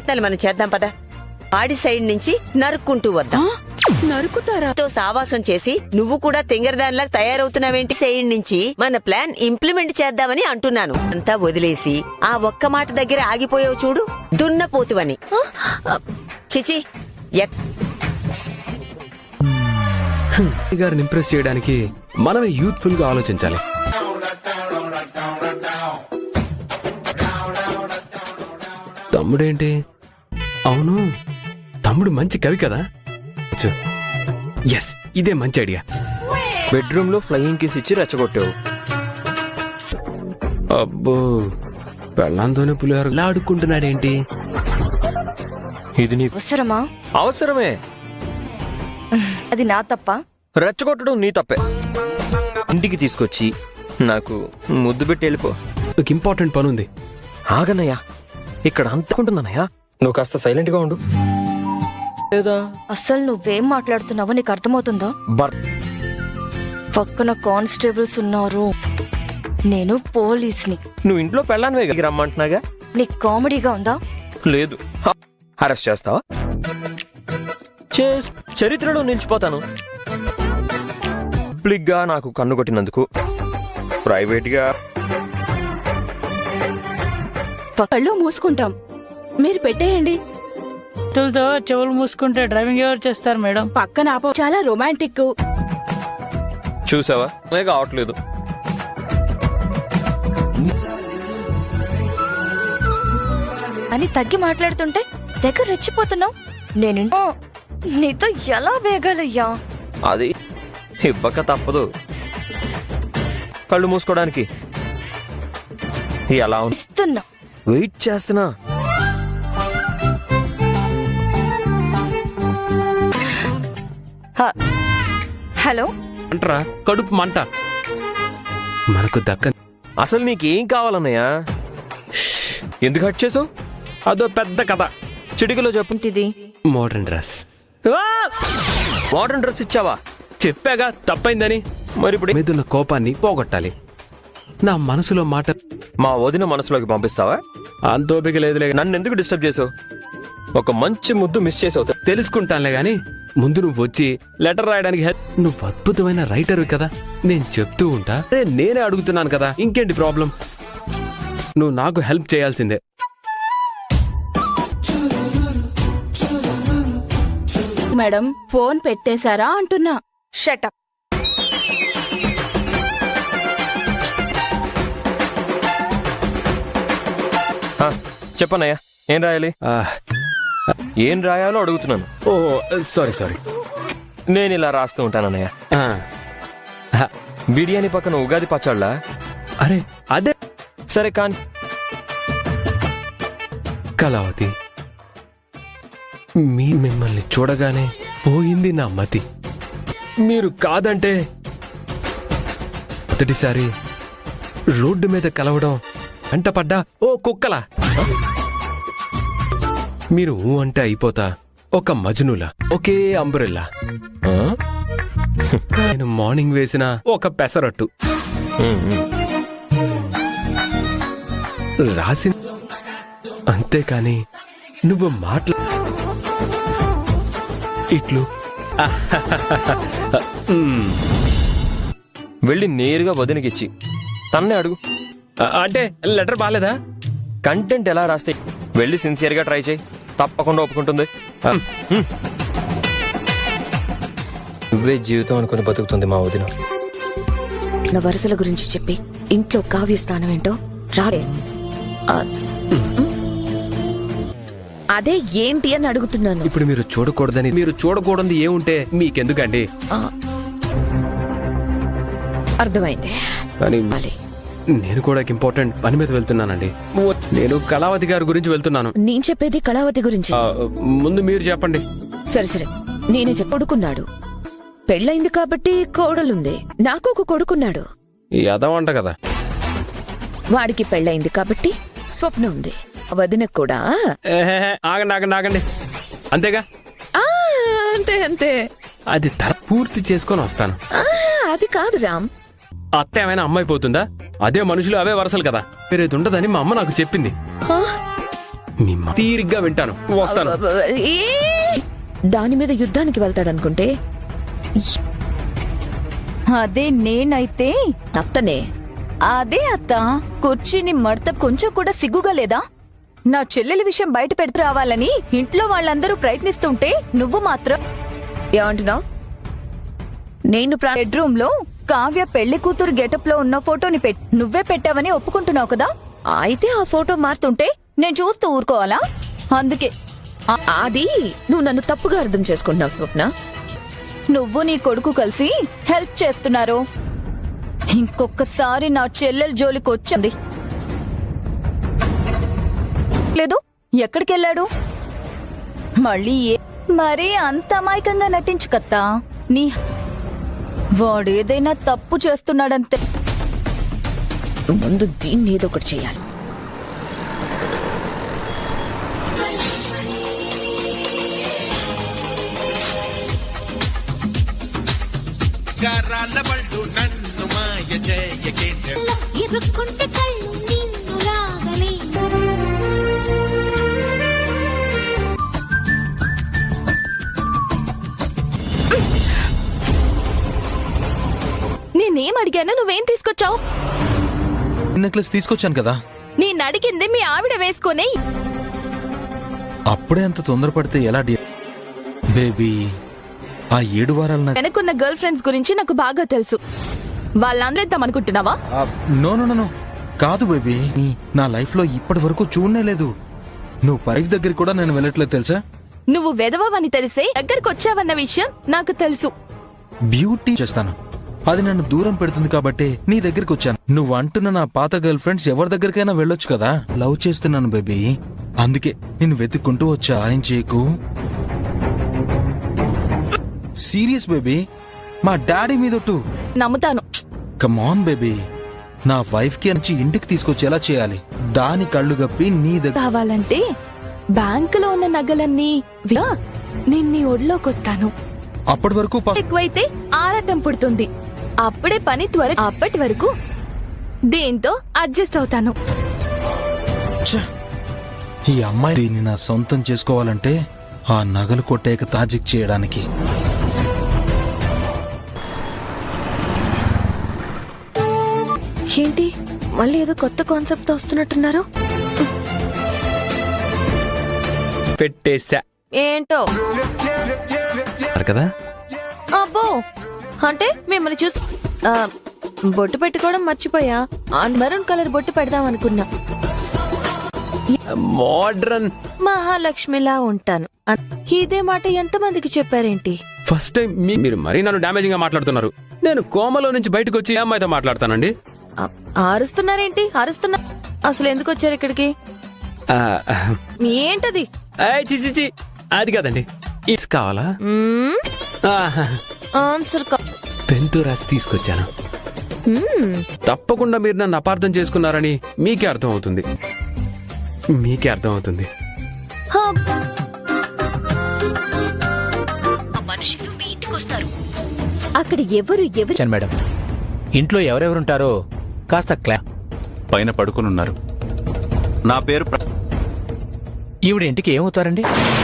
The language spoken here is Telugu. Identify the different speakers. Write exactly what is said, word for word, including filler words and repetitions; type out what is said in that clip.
Speaker 1: ప్రయత్నాలు మనం చేద్దాం పదా. వాడి సైడ్ నుంచి నరుక్కుంటూ వద్దాం.
Speaker 2: నరుకుతారా?
Speaker 1: తో సావాసం చేసి నువ్వు కూడా తెంగరదానిలా తయారవుతున్నావేంటి? సైడ్ నుంచి మన ప్లాన్ ఇంప్లిమెంట్ చేద్దామని అంటున్నాను. అంతా వదిలేసి ఆ ఒక్క మాట దగ్గర ఆగిపోయావు చూడు, దున్నపోతువని. చిచి,
Speaker 3: గారిని ఇంప్రెస్ చేయడానికి మనమే యూత్ఫుల్ గా ఆలోచించాలి. తమ్ముడేంటి? అవును, తమ్ముడు మంచి కవి కదా. ఎస్, ఇదే మంచి ఐడియా.
Speaker 4: బెడ్రూమ్ లో ఫ్లయింగ్ కిస్ ఇచ్చి రెచ్చగొట్టావు.
Speaker 3: అబ్బో, పెళ్ళంతోనే పులిహోర ఇలా అడుక్కుంటున్నాడేంటి?
Speaker 4: ఇది నీ
Speaker 2: అవసరమా?
Speaker 4: అవసరమే.
Speaker 2: అది నా తప్ప?
Speaker 4: రెచ్చగొట్టడం నీ తప్పే. ఇంటికి తీసుకొచ్చి నాకు ముద్దు పెట్టి వెళ్ళిపో.
Speaker 3: ఒక ఇంపార్టెంట్ పని ఉంది.
Speaker 4: ఆగనయ్యా, ఇక్కడ అంతకుంటుందన్నయ్యా. నువ్వు కాస్త సైలెంట్ గా ఉండు. లేదా
Speaker 2: అసలు నువ్వేం మాట్లాడుతున్నావో నీకు అర్థమవుతుందా?
Speaker 4: బర్
Speaker 2: పక్కన కానిస్టేబుల్స్ ఉన్నారు, నేను పోలీస్ని.
Speaker 4: నువ్వు ఇంట్లో పెళ్ళానివే రమ్మంటున్నాగా.
Speaker 2: నీకు కామెడీగా ఉందా?
Speaker 4: లేదు. అరెస్ట్ చేస్తావా? చేస్ చరిత్రలో నిలిచిపోతాను. పబ్లిక్ గా నాకు కన్ను కొట్టినందుకు, ప్రైవేట్ గా
Speaker 5: కళ్ళు మూసుకుంటాం, మీరు పెట్టేయండి.
Speaker 6: తో చెవులు మూసుకుంటే డ్రైవింగ్ ఎవరు చేస్తారు మేడం?
Speaker 5: పక్కన ఆపో. చాలా రొమాంటిక్.
Speaker 4: చూసావా, కావట్లేదు.
Speaker 2: అని తగ్గి మాట్లాడుతుంటే దగ్గర రెచ్చిపోతున్నావు. నేను నీతో ఎలా వేగాలయ్యా?
Speaker 4: అది ఇవ్వక తప్పదు. కళ్ళు మూసుకోవడానికి ఎలా
Speaker 2: ఇస్తున్నా,
Speaker 4: వెయిట్ చేస్తున్నా.
Speaker 2: హలో
Speaker 3: అంటరా, కడుపు మంట మనకు దక్క.
Speaker 4: అసలు నీకేం కావాలన్నయ్యా? ఎందుకు హట్ చేసావు?
Speaker 3: అదో పెద్ద కథ,
Speaker 4: చిటికలో చెప్పు.
Speaker 2: ఇది
Speaker 3: మోడర్న్ డ్రెస్.
Speaker 4: మోడర్న్ డ్రెస్ ఇచ్చావా?
Speaker 3: చెప్పాగా తప్పైందని.
Speaker 4: మరి ఇప్పుడు
Speaker 3: మీదున్న కోపాన్ని పోగొట్టాలి. నా మనసులో మాట
Speaker 4: మా వదిన మనసులోకి పంపిస్తావా?
Speaker 3: అంతోపిక లేదులే.
Speaker 4: నన్ను ఎందుకు డిస్టర్బ్ చేసావు? ఒక మంచి ముద్దు మిస్ చేసావు.
Speaker 3: తెలుసుకుంటానులే గాని ముందు నువ్వు వచ్చి లెటర్ రాయడానికి హెల్ప్. నువ్వు అద్భుతమైన రైటర్ కదా, నేను చెప్తూ ఉంటా. అరే నేనే అడుగుతున్నాను కదా, ఇంకేంటి ప్రాబ్లం? నువ్వు నాకు హెల్ప్ చేయాల్సిందే.
Speaker 5: మేడం, ఫోన్ పెట్టేశారా అంటున్నా.
Speaker 2: షటప్.
Speaker 4: చెప్పన్నయ్యా, ఏం రాయాలి?
Speaker 3: ఆ,
Speaker 4: ఏం రాయాలో అడుగుతున్నాను.
Speaker 3: Oh sorry sorry.
Speaker 4: నేను ఇలా రాస్తూ ఉంటానన్నయ్య.
Speaker 3: ఆ, ఆ,
Speaker 4: బిర్యానీ పక్కన ఉగాది పచ్చళ్ళ.
Speaker 3: అరే అదే.
Speaker 4: సరే కాని.
Speaker 3: కళావతి, మీ మిమ్మల్ని చూడగానే పోయింది నా మతి. మీరు కాదంటే మొదటిసారి రోడ్డు మీద కలవడం వెంటపడ్డా ఓ కుక్కలా. మీరు ఊ అంటే అయిపోతా ఒక మజ్నులా, ఒకే అంబ్రెల్లా. నేను మార్నింగ్ వేసిన ఒక పెసరట్టు రాసి, అంతేకాని నువ్వు మాట్లా ఇట్లు
Speaker 4: వెళ్ళి నేరుగా వదినకిచ్చి తన్నే అడుగు.
Speaker 3: అంటే లెటర్ బాలేదా?
Speaker 4: కంటెంట్ ఎలా రాస్తే వెళ్ళి సిన్సియర్ గా ట్రై చేయి, తప్పకుండా ఒప్పుకుంటుంది. నువ్వే జీవితం అనుకుని బతుకుతుంది మా వదిన.
Speaker 2: నా వరుసల గురించి చెప్పి ఇంట్లో కావ్య స్థానం ఏంటో రాలే. అదే ఏంటి అని అడుగుతున్నాను.
Speaker 3: ఇప్పుడు మీరు చూడకూడదని, మీరు చూడకూడదు ఏముంటే మీకెందుకండి?
Speaker 2: అర్థమైంది.
Speaker 3: కానీ నేను కూడా ఇంపార్టెంట్ పని మీద వెళ్తున్నానండి. నేను కళావతి గారి గురించి వెళ్తున్నాను.
Speaker 2: నేను చెప్పేది కళావతి గురించి.
Speaker 3: ముందు మీరు చెప్పండి.
Speaker 2: సరే సరే, నేనే చెప్ప కొడుకున్నాడు. పెళ్ళైంది కాబట్టి కోడలుంది. నాకు ఒక కొడుకున్నాడు.
Speaker 3: యదవంట కదా.
Speaker 2: వాడికి పెళ్ళైంది కాబట్టి స్వప్న ఉంది. వదినకు కూడా.
Speaker 3: ఆగండి ఆగండి ఆగండి, అంతేగా?
Speaker 2: అంతే అంతే.
Speaker 3: అది తర పూర్తి చేసుకొని వస్తాను.
Speaker 2: అది కాదు రామ్.
Speaker 3: అత్త ఏమైనా అమ్మాయి పోతుందా? అదే మనుషులు అవే వరసలు కదా, వేరేది ఉండదని మా అమ్మ నాకు చెప్పింది. మీ మ- తీరిగ్గా వింటాను, వస్తాను.
Speaker 2: ఏ! దాని మీద యుద్ధానికి వెళ్తాడనుకుంటే
Speaker 7: అదే నేనైతే
Speaker 2: అత్తనే.
Speaker 7: అదే అత్త కుర్చీని మడత కొంచెం కూడా సిగ్గుగా లేదా? నా చెల్లెలి విషయం బయట పెట్టి రావాలని ఇంట్లో వాళ్ళందరూ ప్రయత్నిస్తుంటే నువ్వు మాత్రం
Speaker 2: ఏమంటున్నావు? నేను ప్రా-
Speaker 7: బెడ్రూమ్ లో కావ్య పెళ్లి కూతురు గెటప్ లో ఉన్న ఫోటోని పెట్ నువ్వే పెట్టావని ఒప్పుకుంటున్నావు కదా?
Speaker 2: అయితే ఆ ఫోటో
Speaker 7: మారుతుంటే నేను చూస్తూ ఊరుకోవాలా? అందుకే
Speaker 2: ఆ- అది నువ్వు నన్ను తప్పుగా అర్థం చేసుకుంటున్నావు స్వప్న.
Speaker 7: నువ్వు నీ కొడుకు కలిసి హెల్ప్ చేస్తున్నారు. ఇంకొకసారి నా చెల్లెల జోలికి వచ్చింది లేదు. ఎక్కడికెళ్ళాడు మళ్ళీ? ఏ- మరీ అంత అమాయకంగా నటించు కత్తా. నీ వాడేదైనా తప్పు చేస్తున్నాడంతే.
Speaker 2: ముందు దీన్ని ఏదో ఒకటి చేయాలి.
Speaker 8: గారాల బళ్ళు నన్ను మాయ చేయకేంద్ర
Speaker 9: ఇరుక్కుంటే కళ్ళు నిన్ను లాగలే.
Speaker 5: నేనేం అడిగాను, నువ్వేం తీసుకొచ్చావు?
Speaker 8: నెక్లెస్ తీసుకొచ్చాను కదా.
Speaker 5: నేను అడిగింది మీ ఆవిడ వేసుకొని.
Speaker 8: అప్పుడే అంత తొందరపడితే ఎలా డి బేబీ? ఆ ఏడు వారాల నా-
Speaker 5: వెనకున్న గర్ల్ ఫ్రెండ్స్ గురించి నాకు బాగా తెలుసు. వాళ్ళందరూ ఇద్దాం అనుకుంటున్నావా?
Speaker 8: ఆ, నో నో నో నో కాదు బేబీ. నా లైఫ్ లో ఇప్పటి వరకు చూడనే లేదు. నువ్వు పైఫ్ దగ్గర కూడా నేను వెళ్ళట్లేదు తెలుసా.
Speaker 5: నువ్వు వెదవని తెలిసే దగ్గరకు వచ్చావన్న విషయం నాకు తెలుసు.
Speaker 8: బ్యూటీ చేస్తాను, అది నన్ను దూరం పెడుతుంది కాబట్టి నీ దగ్గరికి వచ్చాను. నువ్వు అంటున్న నా పాత గర్ల్ ఫ్రెండ్స్ ఎవరి దగ్గరికైనా వెళ్ళొచ్చు కదా. లవ్ చేస్తున్నాను బేబీ, అందుకే నిన్ను వెతుక్కుంటూ వచ్చా. ఏం చేయకు. సీరియస్ బేబీ, మా డాడీ మీదొట్టు.
Speaker 5: నమ్ముతాను.
Speaker 8: కమాన్ బేబీ, నా వైఫ్ కి నుంచి ఇంటికి తీసుకొచ్చేలా చేయాలి. దాని కళ్ళు గప్పి నీ దగ్గర
Speaker 5: కావాలంటే బ్యాంకులో ఉన్న నగలన్నీ వి- నేను నీ ఒడిలోకొస్తాను.
Speaker 8: అప్పటి వరకు ప-
Speaker 5: ఎక్కువైతే ఆరాటం పుడుతుంది. అప్పుడే పని త్వర. అప్పటి వరకు దీంతో అడ్జస్ట్ అవుతాను.
Speaker 8: ఛ! ఈ అమ్మాయి దీన్ని నా సొంతం చేసుకోవాలంటే ఆ నగలు కొట్టేక తాజిక్ చేయడానికి.
Speaker 5: ఏంటి మళ్ళీ ఏదో కొత్త కాన్సెప్ట్ తో వస్తున్నట్టున్నారు?
Speaker 3: పెట్టేశా
Speaker 5: ఏంటో
Speaker 3: కదా.
Speaker 5: అబ్బో, అంటే మిమ్మల్ని చూసి ఆ, బొట్టు పెట్టుకోవడం మర్చిపోయా. ఆ మెరూన్ కలర్ బొట్టు పెడదాం అనుకున్నా.
Speaker 3: మోడ్రన్.
Speaker 5: మహాలక్ష్మిలా ఉంటాను. అ- ఇదే మాట ఎంతమందికి చెప్పారేంటి?
Speaker 3: ఫస్ట్ టైం మీ- మీరు మరీ నన్ను డామేజింగ్ గా మాట్లాడుతున్నారు. నేను కోమలో నుంచి బయటకు వచ్చి ఏ అమ్మాయితో మాట్లాడతానండి.
Speaker 5: అ- అరుస్తున్నారేంటి? అరుస్తున్నా. అసలు ఎందుకు వచ్చారు ఇక్కడికి?
Speaker 3: ఆ,
Speaker 5: ఏంటది?
Speaker 3: ఏయ్, చి చి, చి. అది కాదండి, ఇట్స్ కావాలా?
Speaker 5: మ్మ్,
Speaker 3: ఆహా.
Speaker 5: ఆన్సర్ కా-
Speaker 3: పెన్తో రాసి తీసుకొచ్చాను.
Speaker 5: మ్మ్,
Speaker 3: తప్పకుండా మీరు నన్ను అపార్థం చేసుకున్నారని మీకే అర్థం అవుతుంది. మీకే అర్థం అవుతుంది.
Speaker 5: హా,
Speaker 2: మనుషులు మీ ఇంటికి వస్తారు.
Speaker 7: అక్కడ ఎవరు ఎవరు
Speaker 10: వచ్చాను మేడం. ఇంట్లో ఎవరెవరుంటారో కాస్త క్లా
Speaker 11: పైన పడుకునున్నారు. నా పేరు ప్ర-
Speaker 10: ఈవిడ ఇంటికి ఏమవుతారండి?